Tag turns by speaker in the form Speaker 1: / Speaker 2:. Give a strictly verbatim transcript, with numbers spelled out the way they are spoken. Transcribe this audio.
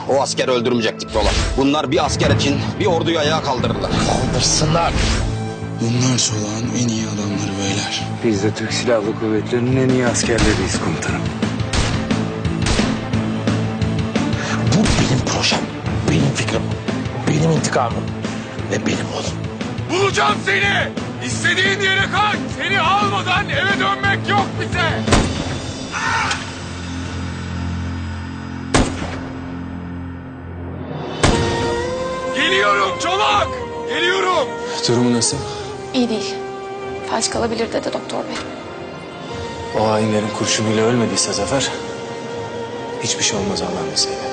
Speaker 1: O askeri öldürmeyecektik Polat. Bunlar bir asker için bir orduyu ayağa kaldırırlar.
Speaker 2: Kaldırsınlar.
Speaker 3: Bunlar Çolak'ın en iyi adamları beyler.
Speaker 4: Biz de Türk Silahlı Kuvvetleri'nin en iyi askerleriyiz komutanım.
Speaker 2: Bu benim projem, benim fikrim, benim intikamım ve benim oğlum.
Speaker 5: Bulacağım seni. İstediğin yere kaç. Seni almadan eve dönmek yok bize. Geliyorum Çolak. Geliyorum.
Speaker 3: Durumu nasıl?
Speaker 6: İyi değil. Felç kalabilir dedi doktor bey.
Speaker 4: O hainlerin kurşunuyla ölmediyse Zafer, hiçbir şey olmaz Allah'ın izniyle.